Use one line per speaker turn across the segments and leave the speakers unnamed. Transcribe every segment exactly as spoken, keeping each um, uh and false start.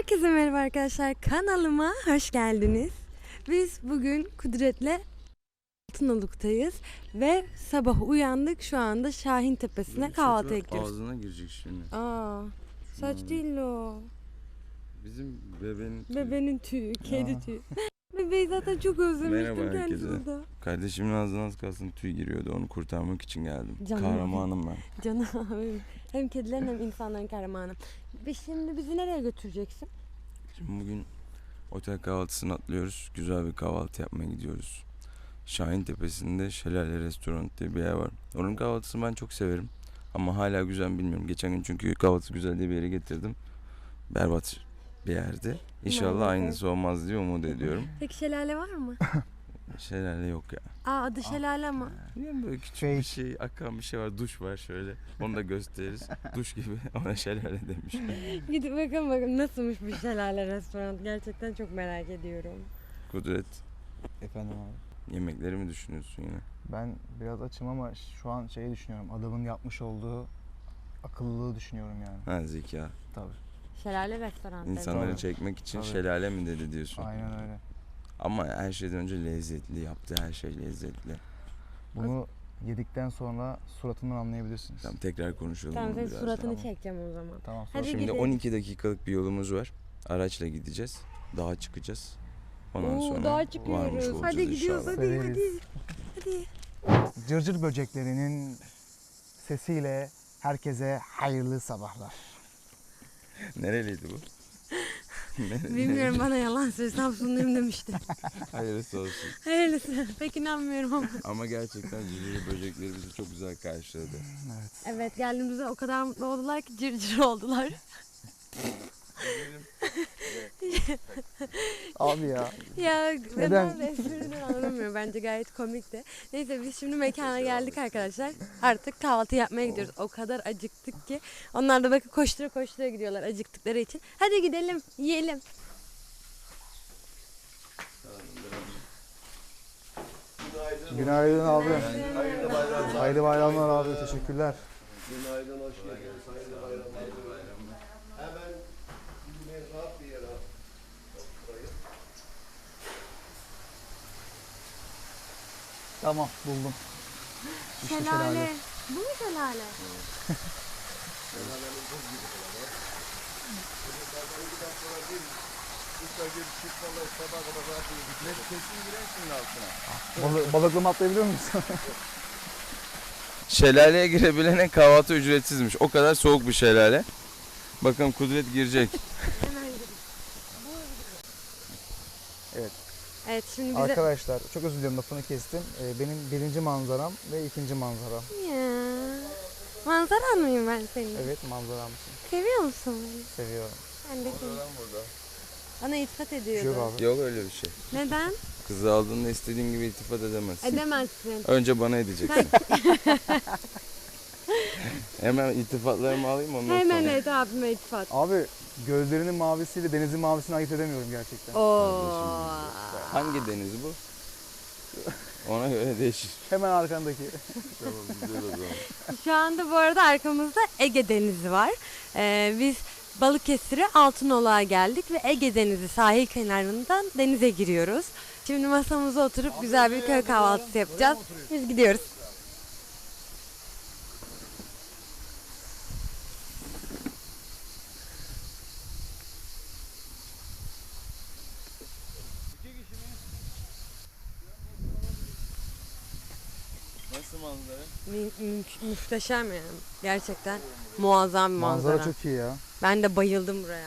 Herkese merhaba arkadaşlar, kanalıma hoş geldiniz. Biz bugün Kudret'le Altınoluk'tayız ve sabah uyandık, şu anda Şahin Tepesi'ne kahvaltıya gidiyoruz.
Ağzına girecek şimdi.
Aa, saç değil o.
Bizim bebeğin tüyü.
Bebenin tüyü, kedi tüyü. Bebeği zaten çok özlemiştim
Merhaba
kendisi
herkese.
burada.
Kardeşimin ağzına az kalsın tüy giriyordu, onu kurtarmak için geldim.
Canım
Kahramanım ben.
Canım abim. Hem kedilerin hem insanların kahramanı. Ve şimdi bizi nereye götüreceksin?
Şimdi bugün otel kahvaltısını atlıyoruz. Güzel bir kahvaltı yapmaya gidiyoruz. Şahin Tepesi'nde Şelale Restoran diye bir yer var. Onun kahvaltısını ben çok severim. Ama hala güzel mi bilmiyorum. Geçen gün çünkü kahvaltı güzel diye bir yere getirdim. Berbat bir yerde. İnşallah
Maalesef.
aynısı olmaz diye umut ediyorum.
Peki şelale var mı?
Şelale yok ya.
Aa, adı şelale ama.
Yani böyle küçük
Fake.
bir şey, akan bir şey var, duş var şöyle. Onu da gösteririz. Duş gibi, ona şelale demiş.
Gidip bakalım bakalım nasılmış bu şelale restoran. Gerçekten çok merak ediyorum.
Kudret,
Efendim abi.
yemekleri mi düşünüyorsun yine?
Ben biraz açım ama şu an şeyi düşünüyorum. Adamın yapmış olduğu akıllılığı düşünüyorum yani.
Ha, zeka.
Tabii.
Şelale restoran. dedi.
İnsanları
Tabii.
çekmek için
Tabii.
şelale mi dedi diyorsun?
Aynen öyle.
Ama her şeyden önce lezzetli, yaptığı her şey lezzetli.
Bunu yedikten sonra suratından anlayabilirsiniz.
Tamam, tekrar konuşalım
Tamam,
bunu
senin
biraz
suratını
Tamam.
çekeceğim o zaman.
Tamam.
Hadi
Sonra
Şimdi
gidelim.
on iki dakikalık bir yolumuz var. Araçla gideceğiz. Dağa çıkacağız. Ondan
Oo,
sonra
dağa
varmış
çıkıyoruz.
olacağız
Hadi gidiyoruz,
inşallah.
hadi hadi.
Severiz.
Hadi.
Cırcır böceklerinin sesiyle herkese hayırlı sabahlar.
Nereliydi bu? Nere-
Bilmiyorum, bana yalan söyle, Samsunluyum demişti.
Hayırlısı olsun.
Hayırlısı. Pek inanmıyorum ama.
Ama gerçekten cüceli böcekleri bizi çok güzel karşıladı.
Evet.
Evet, geldiğimizde o kadar mutlu oldular ki cırcır oldular.
Abi ya.
Ya
Neden?
ben de espriden anlamıyorum, bence gayet komikti. Neyse, biz şimdi mekana geldik arkadaşlar. Artık kahvaltı yapmaya gidiyoruz. O kadar acıktık ki. Onlar da bakın koştura koştura gidiyorlar acıktıkları için. Hadi gidelim, yiyelim.
Günaydın abi.
Günaydın.
Hayırlı bayramlar abi. Teşekkürler.
Günaydın, hoş geldiniz. Hayırlı bayramlar. Hemen bir rahat bir yere oturayım.
Tamam buldum. İşte
Şelale. Bu mu şelale?
Kesin girer şimdi altına.
Balı, balıklı mı atlayabiliyor musun?
Şelaleye girebilene kahvaltı ücretsizmiş. O kadar soğuk bir şelale. Bakın Kudret girecek.
Hemen gidelim.
Evet.
Evet, şimdi bize...
Arkadaşlar çok özür dilerim lafını kestim. Ee, benim birinci manzaram ve ikinci manzaram.
Ya. Manzaran mıyım ben senin?
Evet manzaramsın.
Seviyor musun beni?
Seviyorum.
Ben de seni. Bana iltifat
Bir şey yok
ediyordu.
abi.
Yok öyle bir şey.
Neden?
Kızı aldığında istediğin gibi iltifat edemezsin.
Edemezsin.
Önce bana edeceksin.
Sen
Hemen iltifatlarımı alayım ondan
hemen
sonra.
et abime iltifat.
Abi gözlerinin mavisiyle denizin mavisini ayırt edemiyorum gerçekten.
Oo.
Hangi deniz bu? Ona göre değişir.
Hemen arkandaki.
Tamam, güzel o zaman.
Şu anda bu arada arkamızda Ege Denizi var. Ee, biz Balıkesir'e Altınoluk'a geldik ve Ege Denizi sahil kenarından denize giriyoruz. Şimdi masamıza oturup güzel bir köy kahvaltısı yapacağız. Biz gidiyoruz.
Nasıl manzara?
Mü- mü- muhteşem yani. Gerçekten muazzam bir manzara.
Manzara çok iyi ya.
Ben de bayıldım buraya.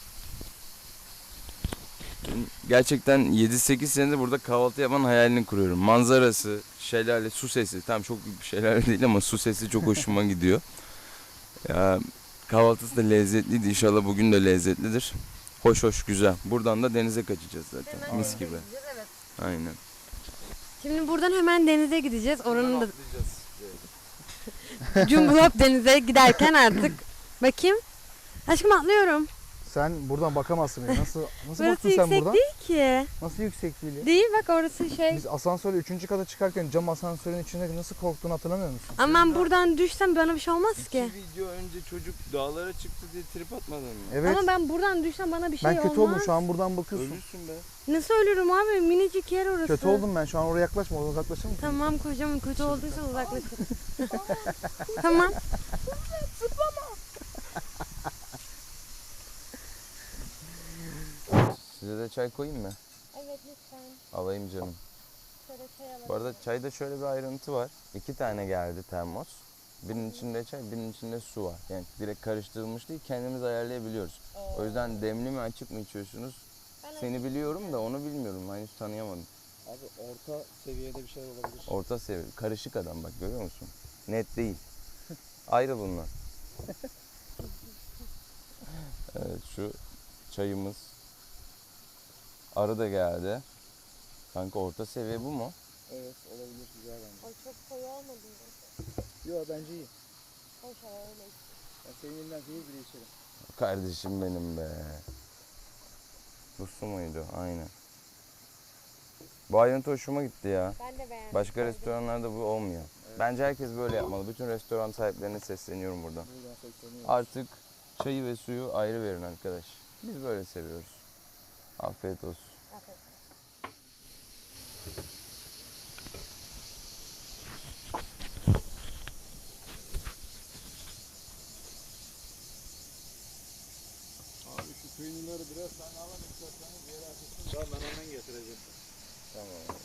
Gerçekten yedi sekiz senedir burada kahvaltı yapmanın hayalini kuruyorum. Manzarası, şelale, su sesi. Tam çok büyük bir şelale değil ama su sesi çok hoşuma gidiyor. Ya, kahvaltısı da lezzetliydi. İnşallah bugün de lezzetlidir. Hoş hoş güzel. Buradan da denize kaçacağız zaten. Mis gibi.
Evet.
Aynen.
Şimdi buradan hemen denize gideceğiz. Oranın da Cumhuriyet denize giderken artık bakayım. Aşkım atlıyorum.
Sen buradan bakamazsın bile. Nasıl nasıl
Burası
baktın sen
yüksek
buradan?
değil ki.
Nasıl yüksek değil ya?
Değil bak orası şey.
Biz asansörle üçüncü kata çıkarken cam asansörün içinde nasıl korktuğunu hatırlamıyor musun?
Ama ben buradan düşsem bana bir şey olmaz ki.
İki video önce çocuk dağlara çıktı diye trip atmadın mı?
Evet.
Ama ben buradan düşsem bana bir şey
Ben
olmaz.
kötü oldum şu an buradan bakıyorsun.
Ölürsün be.
Nasıl ölürüm abi? Minicik yer orası.
Kötü oldum ben şu an oraya yaklaşma, oradan uzaklaşır mısın?
Tamam kocam kötü olduysa uzaklaşın. Tamam.
Size de çay koyayım mı?
Evet lütfen.
Alayım canım.
Şöyle çay alalım.
Bu arada çayda şöyle bir ayrıntı var. İki tane geldi termos. Birinin içinde çay, birinin içinde su var. Yani direkt karıştırılmış değil, kendimiz ayarlayabiliyoruz. O yüzden demli mi açık mı içiyorsunuz? Seni biliyorum da onu bilmiyorum. Henüz tanıyamadım.
Abi orta seviyede bir şey olabilir.
Orta seviye, karışık adam bak görüyor musun? Net değil. Ayrı bunlar. Evet şu çayımız. Arı da geldi. Kanka orta seviye bu mu?
Evet olabilir, güzel bence.
Ay çok koyu olmadı mı?
Yok bence iyi.
Hoş öyle.
Ben senin elinden değil bile içerim.
Kardeşim benim be. Bu su muydu? Aynen. Bu ayrıntı hoşuma gitti ya.
Ben de beğendim.
Başka restoranlarda bu olmuyor. Bence herkes böyle yapmalı. Bütün restoran sahiplerine sesleniyorum buradan.
Buradan sesleniyorum.
Artık çayı ve suyu ayrı verin arkadaş. Biz böyle seviyoruz. Afiyet olsun.
Abi şu peynirleri biraz sen alın isterseniz bir yere açılsın. Tamam ben hemen getireceğim.
Tamam.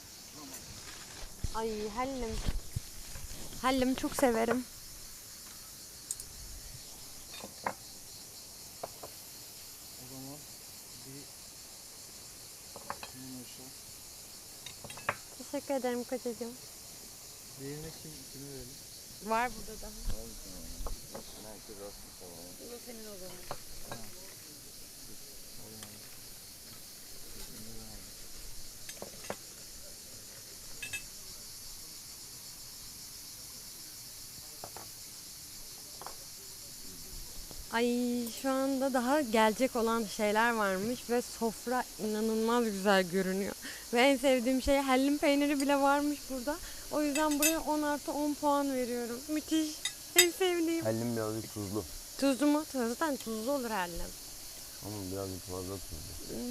Ay hellim. Hellim çok severim.
O zaman bir bunun aşağı.
Teşekkür ederim kocacığım.
Diğerine kim, kimi verelim?
Var burada daha.
Herkes aslında tamam.
Bu da senin o zaman. Ay şu anda daha gelecek olan şeyler varmış ve sofra inanılmaz güzel görünüyor. Ve en sevdiğim şey hellim peyniri bile varmış burada. O yüzden buraya on artı on puan veriyorum. Müthiş. En sevdiğim.
Hellim birazcık tuzlu.
Tuzlu mu? Zaten tuzlu olur hellim.
Ama birazcık fazla tuzlu.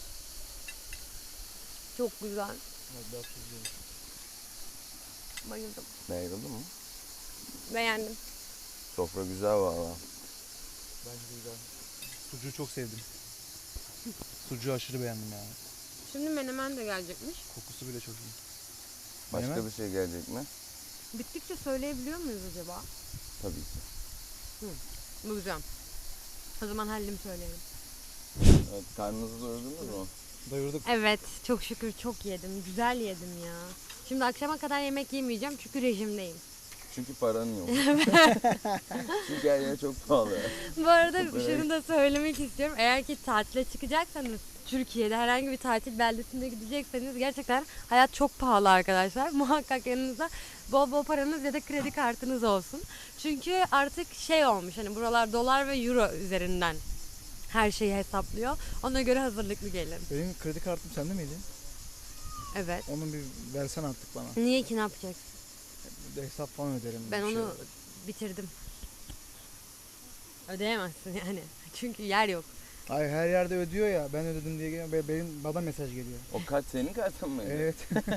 Çok güzel.
Evet, biraz tuzluymuş.
Bayıldım.
Beğendin mi?
Beğendim.
Sofra güzel valla.
Bence güzel. Sucuğu çok sevdim. Sucuğu aşırı beğendim yani.
Şimdi menemen de gelecekmiş.
Kokusu bile çok iyi.
Başka
Menemen?
bir şey gelecek mi?
Bittikçe söyleyebiliyor muyuz acaba?
Tabii ki.
Bulacağım. O zaman hellim söyleyelim.
Evet, karnınızı doyurdunuz mu?
Doyurduk.
Evet, çok şükür çok yedim. Güzel yedim ya. Şimdi akşama kadar yemek yemeyeceğim çünkü rejimdeyim.
Çünkü paran yok. Çünkü her yer çok pahalı.
Bu arada
Evet.
şunu da söylemek istiyorum. Eğer ki tatile çıkacaksanız Türkiye'de herhangi bir tatil beldesinde gidecekseniz gerçekten hayat çok pahalı arkadaşlar. Muhakkak yanınızda bol bol paranız ya da kredi kartınız olsun. Çünkü artık şey olmuş hani buralar dolar ve euro üzerinden her şeyi hesaplıyor. Ona göre hazırlıklı gelin.
Benim kredi kartım sende miydi?
Evet.
Onun bir versen artık bana.
Niye ki ne yapacaksın?
Bir de hesap falan öderim.
Ben
bir şey.
onu bitirdim. Ödeyemezsin yani. Çünkü yer yok.
Ay her yerde ödüyor ya, ben ödedim diye geliyor. Be- Benim bana mesaj geliyor.
O kart senin kartın mıydı?
Evet.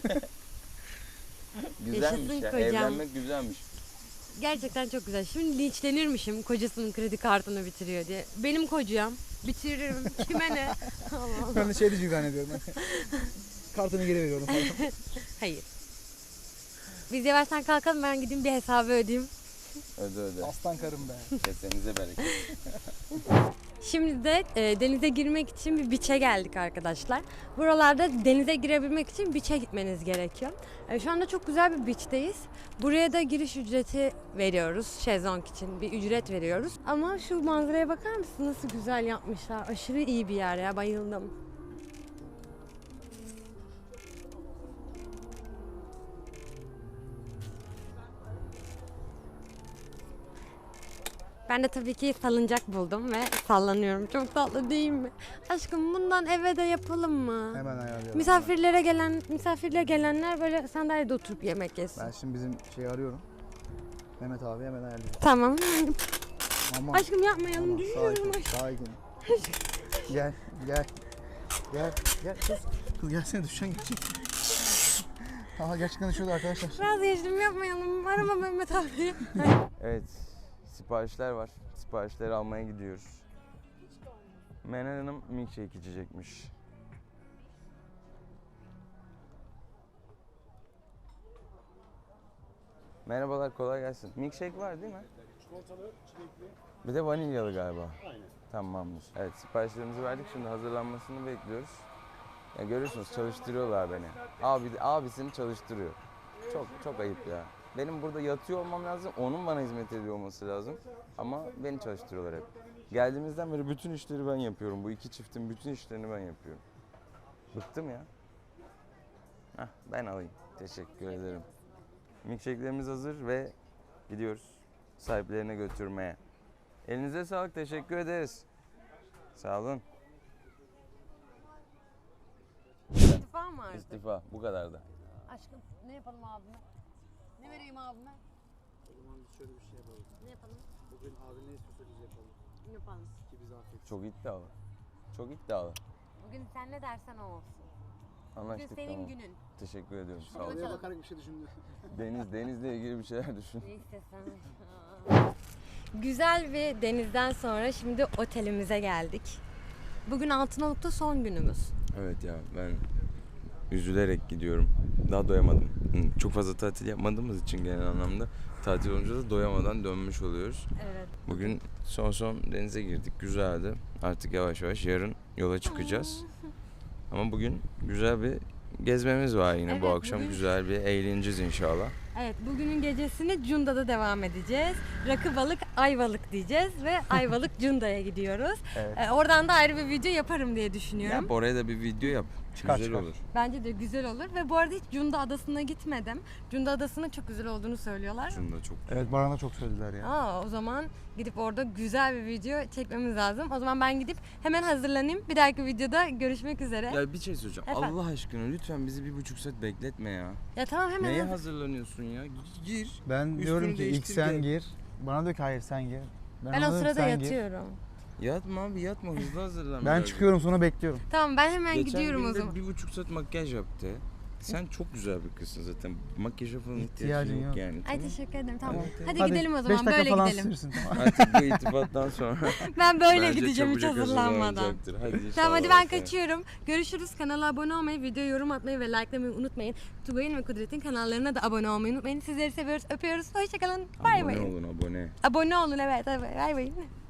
Güzelmiş
Yaşasın
ya.
kocam.
Evlenmek güzelmiş.
Gerçekten çok güzel. Şimdi linçlenirmişim kocasının kredi kartını bitiriyor diye. Benim kocam. Bitiririm. Kime ne? Allah Allah.
Ben de şey diyeceğim zannediyorum. Kartını geri veriyorum falan.
Hayır. Biz yavaştan kalkalım, ben gideyim bir hesabı ödeyeyim.
Öde öde.
Aslan karım be.
Kesenize bereket.
Şimdi de e, denize girmek için bir beach'e geldik arkadaşlar. Buralarda denize girebilmek için beach'e gitmeniz gerekiyor. E, şu anda çok güzel bir beach'teyiz. Buraya da giriş ücreti veriyoruz. Şezlong için bir ücret veriyoruz. Ama şu manzaraya bakar mısın? Nasıl güzel yapmışlar. Aşırı iyi bir yer ya. Bayıldım. Ben de tabii ki salıncak buldum ve sallanıyorum. Çok tatlı değil mi? Aşkım bundan eve de yapalım mı?
Hemen ayarlayalım.
Misafirlere gelen misafirle gelenler böyle sandalyede oturup yemek yesin.
Ben şimdi bizim şeyi arıyorum. Mehmet abi hemen ayarlayacağım.
Tamam.
Aman.
Aşkım yapmayalım.
Aman,
Düşüyorum
sakin,
aşkım.
sakin. Gel, gel. Gel, gel kız. Kız gelsene düşeceksin gerçekten. Aha gerçekten düşüyordu arkadaşlar.
Vazgeçtim yapmayalım. Arama Mehmet abi.
Evet, siparişler var. Siparişleri almaya gidiyoruz. Meral Hanım milkshake içecekmiş. Merhabalar, kolay gelsin. Milkshake var değil mi?
Çikolatalı, çilekli.
Bir de vanilyalı galiba.
Aynen.
Tamamdır. Evet, siparişlerimizi verdik. Şimdi hazırlanmasını bekliyoruz. Ya görüyorsunuz çalıştırıyorlar beni. Abi abisini çalıştırıyor. Çok çok ayıp ya. Benim burada yatıyor olmam lazım. Onun bana hizmet ediyor olması lazım. Ama beni çalıştırıyorlar hep. Geldiğimizden beri bütün işleri ben yapıyorum. Bu iki çiftin bütün işlerini ben yapıyorum. Bıktım ya. Hah, ben alayım. Teşekkür ederim. Milkshake'lerimiz hazır ve gidiyoruz sahiplerine götürmeye. Elinize sağlık. Teşekkür ederiz. Sağ olun.
İstifa mı artık?
İstifa. Bu kadar da.
Aşkım ne yapalım abime? Ne vereyim abime?
O zaman biz şöyle bir şey yapalım.
Ne yapalım?
Bugün abi ne istiyorsa biz yapalım.
Ne yapalım?
Ki bize afiyet.
Çok iddialı. Çok iddialı.
Bugün sen ne dersen o olsun. Bugün
Anlaştık,
senin
tamam.
günün.
Teşekkür ediyorum. Sağ
Hadi
olun.
Oraya
bakalım.
bakarak bir şey düşündüm.
Deniz, denizle ilgili bir şeyler düşün.
Ne istesen. Güzel bir denizden sonra şimdi otelimize geldik. Bugün Altınoluk'ta son günümüz.
Evet ya, ben üzülerek gidiyorum. Daha doyamadım. Hı, Çok fazla tatil yapmadığımız için genel anlamda tatil olunca da doyamadan dönmüş oluyoruz.
Evet.
Bugün son son denize girdik. Güzeldi. Artık yavaş yavaş yarın yola çıkacağız. Ama bugün güzel bir gezmemiz var yine bu
Evet,
akşam.
bugün-
Güzel bir eğleneceğiz inşallah.
Evet, bugünün gecesini Cunda'da devam edeceğiz. Rakı balık, ayvalık diyeceğiz ve Ayvalık Cunda'ya gidiyoruz.
Evet.
Ee, oradan da ayrı bir video yaparım diye düşünüyorum.
Yap, oraya da bir video yap.
Çıkar,
güzel
çıkar.
olur.
Bence de güzel olur ve bu arada hiç Cunda Adası'na gitmedim. Cunda Adası'nın çok güzel olduğunu söylüyorlar.
Şunu da çok
Evet Baran'a çok söylediler ya.
Aa, o zaman gidip orada güzel bir video çekmemiz lazım. O zaman ben gidip hemen hazırlanayım. Bir dahaki videoda görüşmek üzere. Ya,
Ya bir şey söyleyeceğim.
Efendim?
Allah aşkına lütfen bizi bir buçuk saat bekletme ya.
tamam hemen.
Neye
hazır-
hazırlanıyorsun ya? Gi- Gir.
Ben
Üstünü
diyorum ki ilk
değiştir,
sen
gel.
gir. Bana diyor ki hayır sen gir.
Ben
ona
o
diyorum,
sırada
"Sen gir."
yatıyorum.
Yatma abi yatma, hızlı hazırlan.
Ben
biraz.
çıkıyorum sonra bekliyorum.
Tamam ben hemen
Geçen
gidiyorum o
gün de
zaman.
bir buçuk saat makyaj yaptı. Sen çok güzel bir kızsın zaten. Makyaja falan
İhtiyacın
ihtiyacın yok
yok.
yani.
Ay
Tamam.
teşekkür ederim tamam.
Evet, evet.
Hadi, gidelim o
beş
zaman
dakika
böyle
falan
gidelim.
sürürsün, tamam.
Artık bu irtibattan sonra
Ben böyle
bence
gideceğim hiç
çabucak
hazırlanmadan.
hazırlanacaktır. Hadi
Tamam
inşallah
hadi ben
efendim.
kaçıyorum. Görüşürüz. Kanala abone olmayı, video yorum atmayı ve likelamayı unutmayın. Tugay'ın ve Kudret'in kanallarına da abone olmayı unutmayın. Sizleri seviyoruz, öpüyoruz. Hoşçakalın. Bay
Abone
bay.
olun abone.
Abone olun evet. Bay bay.